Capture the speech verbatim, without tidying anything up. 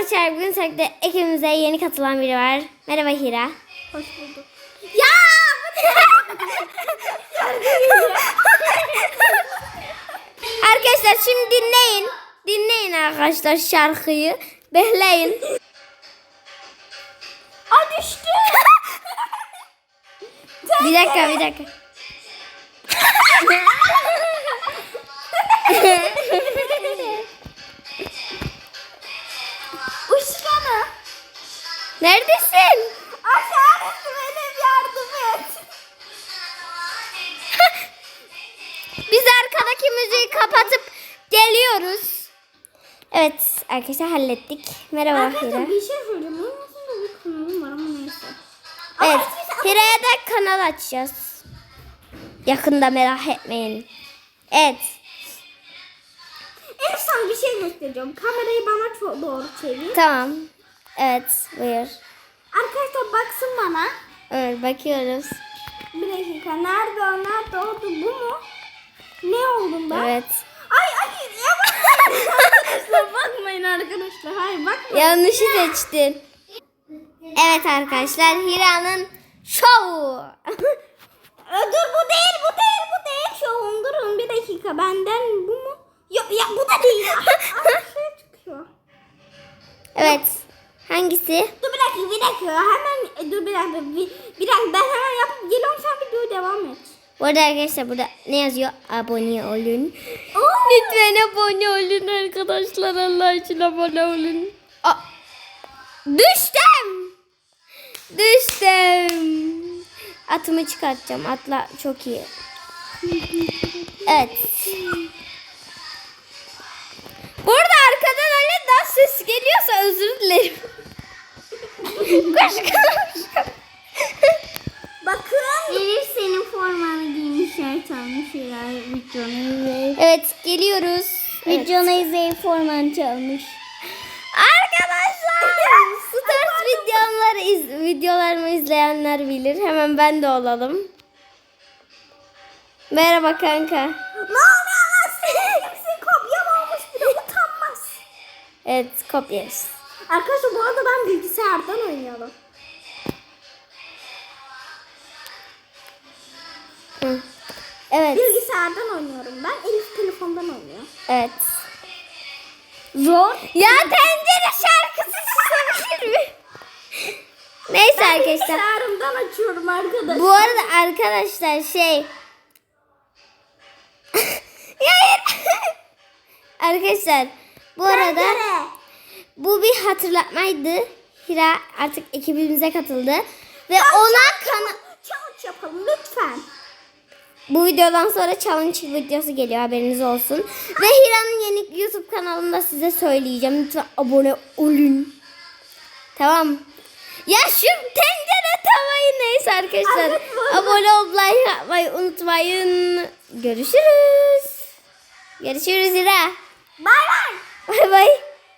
arkadaşlar, bugün seninle ekibimize yeni katılan biri var. Merhaba Hira. Hoş bulduk. Ya! Arkadaşlar şimdi dinleyin. Dinleyin arkadaşlar şarkıyı. Bekleyin. Aa düştü. Bir dakika bir dakika. Uşkana. Neredesin? Aşağısı benim, yardım et. Biz arkadaki müziği kapatıp geliyoruz. Evet arkadaşlar, hallettik. Merhaba Hira. Arkadaşlar bir şey söyleyeceğim. Bunun aslında bir kanalım var ama neyse. Evet, Ama Hira'ya da kanal açacağız. Yakında, merak etmeyin. Evet. en son bir şey göstereceğim. Kamerayı bana çok doğru çevir. Tamam. Evet, buyur. Arkadaşlar baksın bana. Evet, bakıyoruz. Bir dakika. Nerede o? Nerede oldu? Bu mu? Ne oldum ben? Evet. Ay ay ya bakmayın. Arkadaşlar bakmayın arkadaşlar. Hayır bakmayın. Yanlışı seçtin. Evet arkadaşlar, Hira'nın şovu. Aa, dur bu değil bu değil bu değil. Şovum durun bir dakika. Benden bu mu? Yok ya bu da değil. Aa, şey çıkıyor. Evet. Hangisi? Dur bir dakika bir dakika. Hemen dur bir dakika. Bir, bir dakika ben hemen yapıp geliyorum, sen videoya devam et. Bu arada arkadaşlar burada ne yazıyor? Abone olun. Oo. Lütfen abone olun arkadaşlar. Allah için abone olun. Aa, düştüm. Düştüm. Atımı çıkartacağım. Atla çok iyi. Evet. Burada arkadan öyle dans sesi geliyorsa özür dilerim. Koş koş. Bakın. Elif senin formanı giymiş, yer çalmış. Videonu izleyip. Evet, geliyoruz. Evet. Videonu izleyip formanı çalmış. Arkadaşlar, Stars videoları iz, videolarımı izleyenler bilir. Hemen ben de olalım. Merhaba kanka. Ne oluyor lan? Kimsin kopyam olmuş, bir de utanmaz. Evet, kopyarız. Arkadaşlar bu arada ben bilgisayardan oynuyorum. Hı. Evet, Bilgisayardan oynuyorum ben. Elif telefondan oynuyor. evet. Zor. Ya tencere şarkısı susabilir mi? Neyse Ben arkadaşlar. bilgisayarımdan açıyorum arkadaşlar. Bu arada arkadaşlar şey. Ya hayır. Arkadaşlar bu arada Tencere. bu bir hatırlatmaydı. Hira artık ekibimize katıldı ve ona kana Challenge yapalım lütfen. bu videodan sonra challenge videosu geliyor, haberiniz olsun. Ve Hira'nın yeni YouTube kanalında size söyleyeceğim. Lütfen abone olun. Tamam. Ya şu tencere tavayı, neyse arkadaşlar. Evet, bu- Abone olup like yapmayı unutmayın. Görüşürüz. Görüşürüz Hira. Bay bay. Bay bay.